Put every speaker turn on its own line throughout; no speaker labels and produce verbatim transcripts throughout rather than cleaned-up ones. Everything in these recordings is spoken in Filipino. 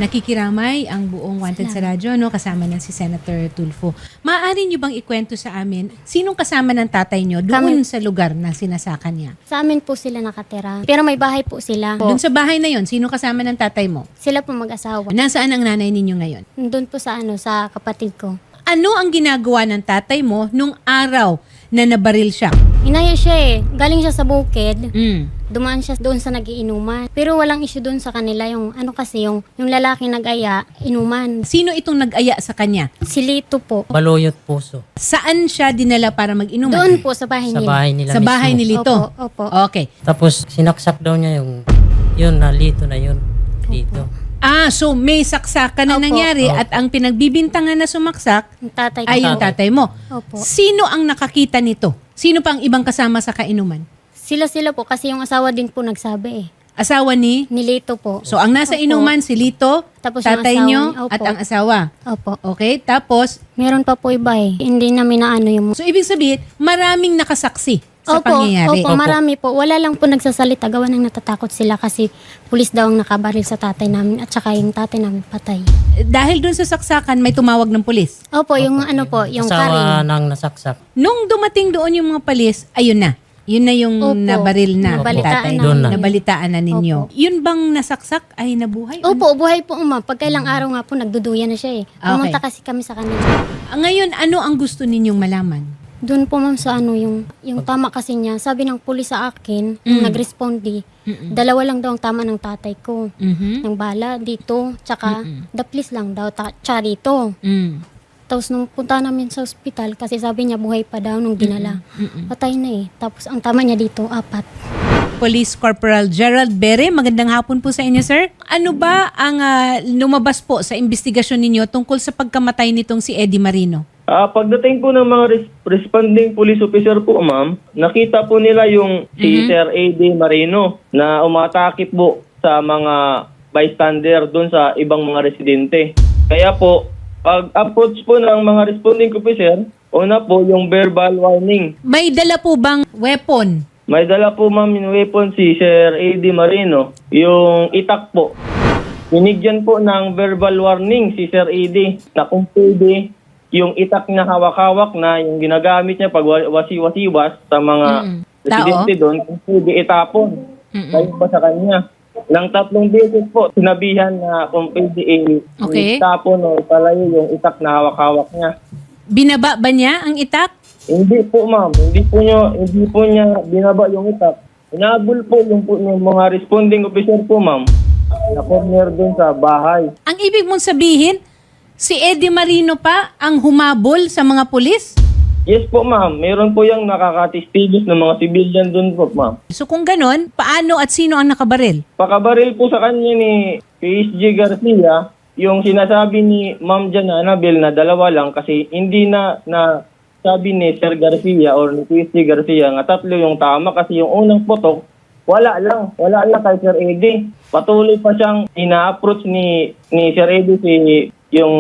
Nakikiramay ang buong Wanted sa Radyo, no, kasama ng si Senator Tulfo. Maaari niyo bang ikwento sa amin, sinong kasama ng tatay niyo doon
Kami-
sa lugar na sinasakan niya?
Sa amin po sila nakatira. Pero may bahay po sila. Po.
Doon sa bahay na yon, sino kasama ng tatay mo?
Sila po mag-asawa.
Nasaan ang nanay ninyo ngayon?
Doon po sa ano, sa kapatid ko.
Ano ang ginagawa ng tatay mo nung araw na nabaril siya?
Inaya siya eh. Galing siya sa bukid.
Mm.
Dumaan siya doon sa nagiinuman. Pero walang issue doon sa kanila. Yung ano kasi, yung, yung lalaki nag-aya, inuman.
Sino itong nag-aya sa kanya?
Si Lito po.
Baluyot Puso.
Saan siya dinala para mag-inuman?
Doon po sa bahay
Sa
nila.
bahay nila
Sa bahay ni
mismo.
Lito?
Opo, opo.
Okay.
Tapos sinaksak daw niya yung, yun na Lito na yun. Dito.
Ah, so may saksakan na
Opo.
nangyari
Opo.
at ang pinagbibintangan na sumaksak
Yung tatay ko.
ay yung tatay mo.
Opo.
Sino ang nakakita nito? Sino pa ang ibang kasama sa kainuman?
Sila-sila po kasi yung asawa din po nagsabi eh.
Asawa ni?
Ni Lito po.
So ang nasa
Opo.
inuman si Lito,
Tapos yung
tatay
asawa
nyo
niya, opo.
at ang asawa.
Opo.
Okay, tapos,
Meron pa po iba eh. Hindi namin na ano yung...
so ibig sabihin, maraming nakasaksi sa
Opo,
pangyayari.
opo, marami po. Wala lang po nagsasalita. Gawa ng natatakot sila kasi pulis daw ang nakabaril sa tatay namin at saka yung tatay namin patay.
Dahil dun sa saksakan, may tumawag ng pulis.
Opo, yung ano po, yung
Asawa
Karin.
ng nasaksak.
Nung dumating doon yung mga pulis, ayun na. Yun na yung
Opo.
nabaril na
Nabalitaan
tatay.
na. Doon na.
Nabalitaan na ninyo.
Opo.
Yun bang nasaksak ay nabuhay?
Opo, buhay po uma. Pagkailang araw nga po, nagduduyan na siya eh. Pumunta
Okay.
kasi kami sa kanila.
Ah, Ngayon, ano ang gusto ninyong malaman?
Doon po ma'am sa ano, yung, yung tama kasi niya, sabi ng pulis sa akin, yung
Mm.
nag-respondi,
Mm-mm.
dalawa lang daw ang tama ng tatay ko.
Mhm.
Ng bala dito, tsaka
Mm-mm.
daplis lang daw, ta- tsaka dito.
Mm.
Tapos nung punta namin sa ospital, kasi sabi niya buhay pa daw nung dinala.
Mm-mm.
Patay na eh. Tapos ang tama niya dito, apat.
Police Corporal Gerald Bere, magandang hapon po sa inyo, sir. Ano ba ang ah, lumabas po sa investigasyon ninyo tungkol sa pagkamatay nitong si Eddie Marino?
Ah, pagdating po ng mga res- responding police officer po, ma'am, nakita po nila yung si Sir Eddie Marino na umatake po sa mga bystander doon sa ibang mga residente. Kaya po, pag-approach po ng mga responding officer, una po yung verbal warning.
May dala po bang weapon?
May dala po, ma'am, yung weapon si Sir Eddie Marino, yung itak po. Binigyan po ng verbal warning si Sir Eddie na kung pwede yung itak na hawak-hawak na yung ginagamit niya pag wa- wasi-wasiwas sa mga
Mm-mm.
residente
Tao?
doon, kung pwede itapon.
Mm-mm.
Kayo pa sa kanya. Nang tatlong beses po, sinabihan na kung pwede i-
Okay.
itapon o ipalayo yung itak na hawak-hawak niya.
Binaba ba niya ang itak?
Hindi po, ma'am. Hindi po niya, hindi po niya binaba yung itak. Inabol po yung, po yung mga responding officer po, ma'am, na corner doon sa bahay.
Ang ibig mong sabihin, si Eddie Marino pa ang humabol sa mga pulis?
Yes po, ma'am. Meron po yung nakakatistigos ng mga civilian doon po, ma'am.
So kung ganon, paano at sino ang nakabaril?
Pakabaril po sa kanya ni P S G Garcia, yung sinasabi ni Ma'am Jan Annabel na dalawa lang kasi hindi na na sabi ni Sir Garcia or ni P S G Garcia nga tatlo yung tama kasi yung unang putok, wala lang. Wala lang kay Sir Eddie. Patuloy pa siyang ina-approach ni, ni Sir Eddie si yung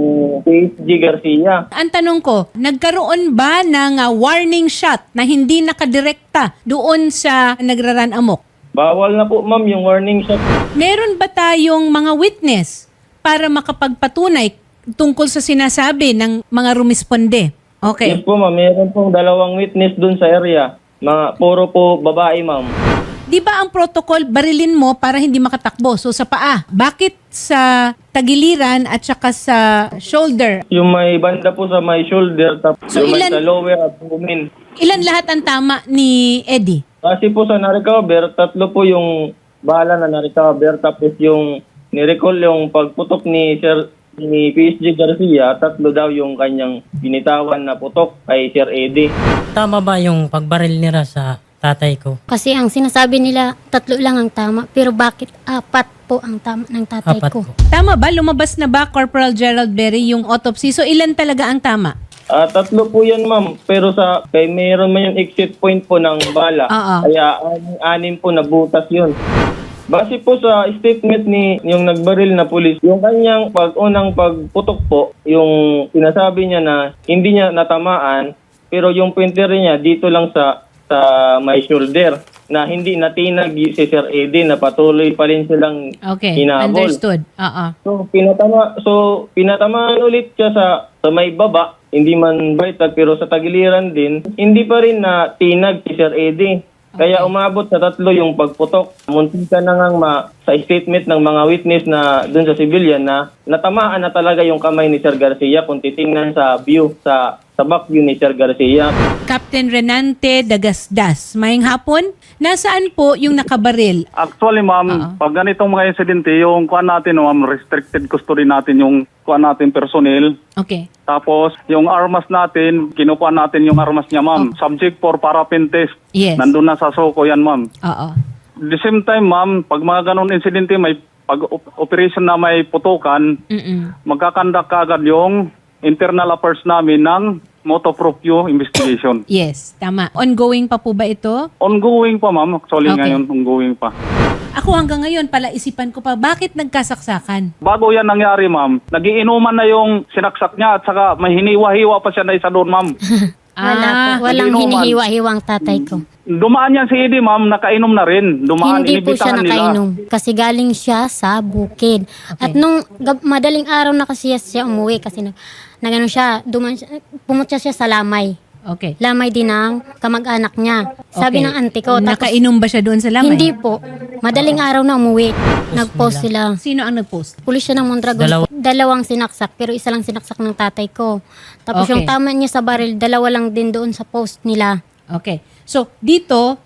P S G Garcia.
Ang tanong ko, nagkaroon ba ng ah, warning shot na hindi nakadirekta doon sa nagraran amok?
Bawal na po, ma'am, yung warning shot.
Meron ba tayong mga witness para makapagpatunay tungkol sa sinasabi ng mga rumisponde? Okay.
Yes po, ma'am. Meron pong dalawang witness doon sa area. Mga puro po babae, ma'am.
Di ba ang protocol, barilin mo para hindi makatakbo? So sa paa. Bakit sa tagiliran at saka sa shoulder?
Yung may banda po sa may shoulder, tapos
So,
yung may
ilan-
sa lower abdomen.
Ilan lahat ang tama ni Eddie?
Kasi po sa na-recover, tatlo po yung bala na na-recover. Tapos yung ni-recall yung pagputok ni Sir ni P S G Garcia, tatlo daw yung kanyang binitawan na putok kay Sir Eddie.
Tama ba yung pagbaril nila sa tatay ko?
Kasi ang sinasabi nila, tatlo lang ang tama. Pero bakit apat po ang tama ng tatay
Apat
ko?
po.
Tama ba? Lumabas na ba, Corporal Gerald Berry, yung autopsy? So ilan talaga ang tama?
Ah, tatlo po yan, ma'am. Pero sa kay meron man yung exit point po ng bala.
Oo.
Kaya anim, anim po na butas yun. Base po sa statement ni yung nagbaril na pulis, yung kanyang pag-unang pagputok po, yung sinasabi niya na hindi niya natamaan, pero yung pointer niya dito lang sa sa may shoulder. na hindi natinag si Sir Eddie, na patuloy pa rin silang
Okay,
hinabol.
understood. Oo.
So pinatama so pinatamaan ulit siya sa sa may baba, hindi man baitag pero sa tagiliran din, hindi pa rin na tinag si Sir Eddie. Kaya umabot sa tatlo yung pagputok. Muntika na ngang ma, sa statement ng mga witness na dun sa civilian na natamaan na talaga yung kamay ni Sir Garcia kung titingnan sa view, sa sa back view ni Sir Garcia.
Captain Renante Dagasdas, maying hapon. Nasaan po yung nakabaril?
Actually, ma'am,
Oo.
pag ganitong mga insidente, yung kuan natin, ma'am, restricted custody natin yung kuan natin personnel.
Okay.
Tapos, yung armas natin, kinukuha natin yung armas niya, ma'am. Subject for paraffin test.
Yes.
Nandun na sa Soko yan, ma'am.
Oo.
The same time, ma'am, pag mga ganun insidente, may pag op- operation na may putukan,
Mm-mm.
magkakandak kagad yung internal affairs namin ng motu proprio investigation.
Yes, tama. Ongoing pa po ba ito?
Ongoing pa, ma'am. Actually,
Okay.
ngayon, ongoing pa.
Ako hanggang ngayon pala isipan ko pa, bakit nagkasaksakan?
Bago yan nangyari, ma'am, nagiinuman na yung sinaksak niya at saka may hiniwa-hiwa pa siya na isa doon, ma'am.
Wala
Ah,
po. Walang
nag-inuman.
hinihiwa-hiwang tatay ko.
Dumaan yan si Eddie, ma'am, nakainom na rin. Dumaan,
Hindi po siya
inibitahan nila.
nakainom kasi galing siya sa bukid. At nung gab- madaling araw na kasi siya umuwi kasi nag, nagano siya, duman siya, pumunta siya sa Lamay.
Okay.
Lamay din ng kamag-anak niya.
Okay.
Sabi ng auntie ko. Tapos,
Nakainom ba siya doon sa lamay?
hindi po. Madaling araw na umuwi. Nag-post sila.
Sino ang nag-post?
Pulis siya ng Mondragon.
Dalawa.
Dalawang sinaksak, pero isa lang sinaksak ng tatay ko. Tapos
Okay.
yung tama niya sa baril, dalawa lang din doon sa post nila.
Okay. So, dito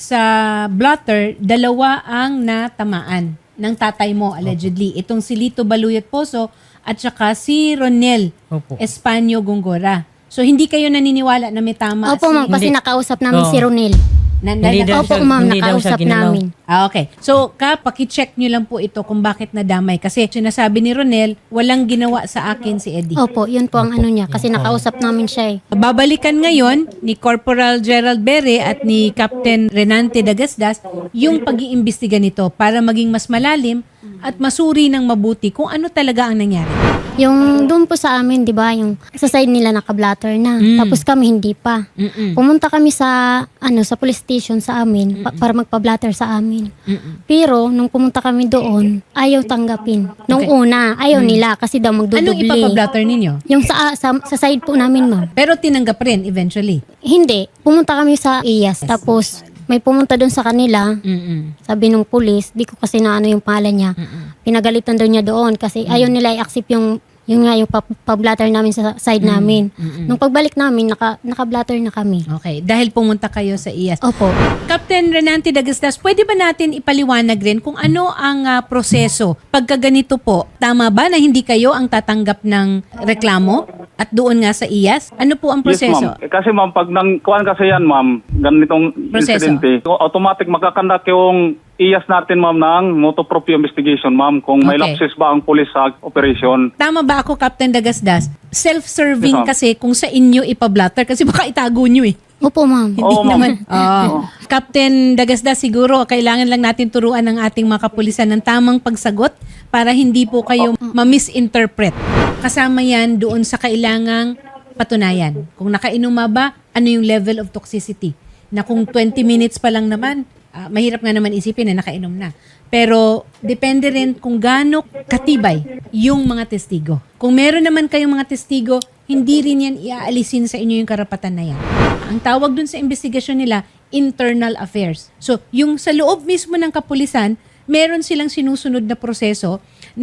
sa blotter, dalawa ang natamaan ng tatay mo, allegedly. Itong si Lito Baluyot Poso at saka si Ronel
Opo.
Espanyo Gongora. So, hindi kayo naniniwala na may tama
Opo
si...
ma'am, kasi
Hindi.
nakausap namin
Oo.
si Ronel.
Na, na,
Hindi
na-
daw
Opo
siya-
ma'am,
hindi daw siya
nakausap
ginalaw.
namin.
Ah, okay. So, ka, pakicheck nyo lang po ito kung bakit nadamay. Kasi sinasabi ni Ronel, walang ginawa sa akin si Eddie.
Opo, yun po ang ano niya. Kasi nakausap namin siya eh.
Babalikan ngayon ni Corporal Gerald Bere at ni Captain Renante Dagasdas yung pag-iimbestiga nito para maging mas malalim at masuri ng mabuti kung ano talaga ang nangyari.
Yung doon po sa amin, di ba, yung sa side nila naka-blatter na.
Mm.
Tapos kami hindi pa.
Mm-mm.
Pumunta kami sa ano sa police station sa amin pa- para magpa-blatter sa amin.
Mm-mm.
Pero nung pumunta kami doon, ayaw tanggapin. Nung
Okay.
una, ayaw nila kasi daw
Anong
magdudubli.
ipapablatter ninyo?
Yung sa, sa sa side po namin, ma'am.
Pero tinanggap rin eventually.
Hindi. Pumunta kami sa I A S. Tapos may pumunta doon sa kanila.
Mm-mm.
Sabi nung police, di ko kasi na ano yung pangalan niya. Pinagalitan daw niya doon kasi ayaw nila i-accept yung yung nga yung pa- pa-blatter namin sa side namin. Nung pagbalik namin, naka, naka-blatter na kami.
Okay. Dahil pumunta kayo sa I A S.
Opo.
Captain Renante Dagastas, pwede ba natin ipaliwanag rin kung ano ang ah, proseso pagka ganito po? Tama ba na hindi kayo ang tatanggap ng reklamo at doon nga sa I A S? Ano po ang
Yes,
proseso?
ma'am. Eh, Kasi ma'am, pag nang kuan kasi yan, ma'am, ganitong
Proseso.
insidente, automatic magkakandak yung I A S natin, ma'am, ng motu proprio investigation, ma'am, kung may
Okay.
lapses ba ang pulis sa operation.
Tama ba ako, Captain Dagasdas? Self-serving
Yes, ma'am.
kasi kung sa inyo ipablatter kasi baka itago nyo eh.
Opo, ma'am.
Hindi
Oo, ma'am.
naman. Oo. Captain Dagasdas, siguro kailangan lang natin turuan ng ating mga kapulisan ng tamang pagsagot para hindi po kayo ma-misinterpret. Kasama yan doon sa kailangang patunayan. Kung nakainuma ba, ano yung level of toxicity? Na kung twenty minutes pa lang naman, ah, mahirap nga naman isipin na nakainom na. Pero depende rin kung gaano katibay yung mga testigo. Kung meron naman kayong mga testigo, hindi rin yan iaalisin sa inyo yung karapatan na yan. Ang tawag dun sa investigasyon nila, internal affairs. So, yung sa loob mismo ng kapulisan, meron silang sinusunod na proseso,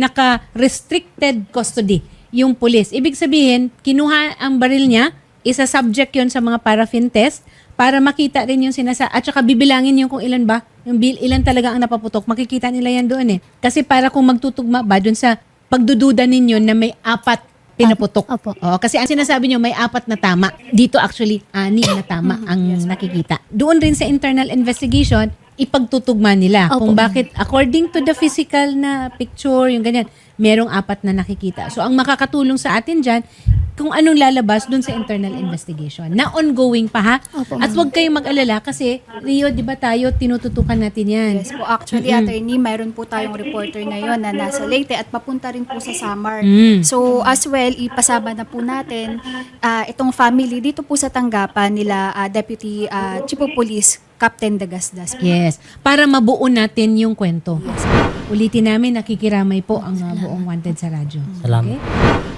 naka-restricted custody yung pulis. Ibig sabihin, kinuha ang baril niya, isa-subject yon sa mga paraffin test para makita rin yung sinasa at saka bibilangin yung kung ilan ba, yung bil, ilan talaga ang napaputok. Makikita nila yan doon eh. Kasi para kung magtutugma ba doon sa pagdududa ninyo na may apat pinaputok.
Opo.
Oo, kasi ang sinasabi nyo may apat na tama. Dito actually, anim na tama ang nakikita. Doon rin sa internal investigation, ipagtutugma nila
Opo.
kung bakit according to the physical na picture, yung ganyan, merong apat na nakikita. So, ang makakatulong sa atin dyan, kung anong lalabas dun sa internal investigation na ongoing pa ha.
Opo,
At huwag kayong mag-alala kasi Rio, di ba tayo, tinututukan natin yan.
Yes po, actually, attorney, mayroon po tayong reporter ngayon na nasa Leyte at papunta rin po sa Samar.
Mm.
So, as well, ipasama na po natin ah, itong family dito po sa tanggapan nila ah, Deputy ah, Chief of Police Captain Dagasdas.
Yes. Para mabuo natin yung kwento. Ulitin namin, nakikiramay po ang uh, buong Wanted sa radyo.
Salamat.
Okay?